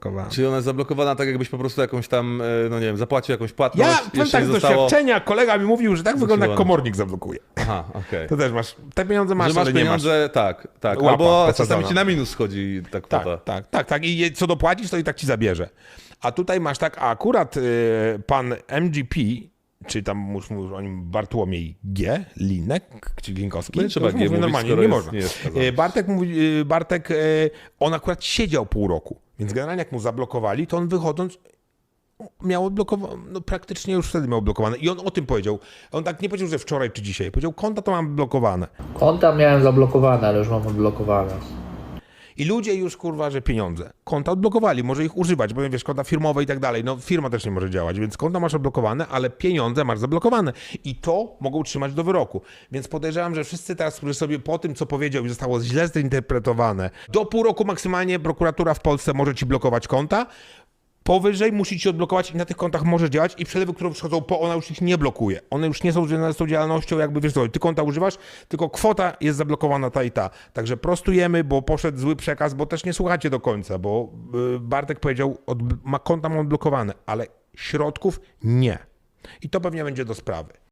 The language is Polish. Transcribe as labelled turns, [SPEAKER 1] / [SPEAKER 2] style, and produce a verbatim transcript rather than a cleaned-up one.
[SPEAKER 1] Czyli ona jest zablokowana tak, jakbyś po prostu jakąś tam, no nie wiem, zapłacił jakąś płatność.
[SPEAKER 2] Ja powiem tak, z doświadczenia kolega mi mówił, że tak wygląda, jak komornik zablokuje.
[SPEAKER 1] Aha, okej. Okay.
[SPEAKER 2] To też masz, te pieniądze masz,
[SPEAKER 1] że masz
[SPEAKER 2] ale
[SPEAKER 1] pieniądze,
[SPEAKER 2] nie masz.
[SPEAKER 1] tak, tak.
[SPEAKER 2] Łapa
[SPEAKER 1] Albo
[SPEAKER 2] posadzona.
[SPEAKER 1] czasami ci na minus schodzi ta kwota.
[SPEAKER 2] Tak, tak, tak, tak. I co dopłacisz, to i tak ci zabierze. A tutaj masz tak, a akurat y, pan M G P, czy tam mówisz o nim Bartłomiej G, Linek, czy Glinkowski.
[SPEAKER 1] No nie trzeba G mówić,
[SPEAKER 2] normalnie, nie
[SPEAKER 1] jest,
[SPEAKER 2] można.
[SPEAKER 1] Nie jest
[SPEAKER 2] Bartek mówi, Bartek, on akurat siedział pół roku, więc generalnie jak mu zablokowali, to on wychodząc miał odblokowane, no praktycznie już wtedy miał odblokowane. I on o tym powiedział. On tak nie powiedział, że wczoraj czy dzisiaj. Powiedział, konta to mam blokowane.
[SPEAKER 3] Konta miałem zablokowane, ale już mam odblokowane.
[SPEAKER 2] I ludzie już, kurwa, że pieniądze. Konta odblokowali, może ich używać, bo wiesz, konta firmowe i tak dalej. No firma też nie może działać, więc konta masz odblokowane, ale pieniądze masz zablokowane. I to mogą trzymać do wyroku. Więc podejrzewam, że wszyscy teraz, którzy sobie po tym, co powiedział i zostało źle zinterpretowane, do pół roku maksymalnie prokuratura w Polsce może ci blokować konta. Powyżej musi ci odblokować i na tych kontach może działać i przelewy, które przychodzą po, ona już ich nie blokuje. One już nie są związane z tą działalnością, jakby wiesz co, ty konta używasz, tylko kwota jest zablokowana ta i ta. Także prostujemy, bo poszedł zły przekaz, bo też nie słuchacie do końca, bo Bartek powiedział, od, ma konta mam odblokowane, ale środków nie. I to pewnie będzie do sprawy.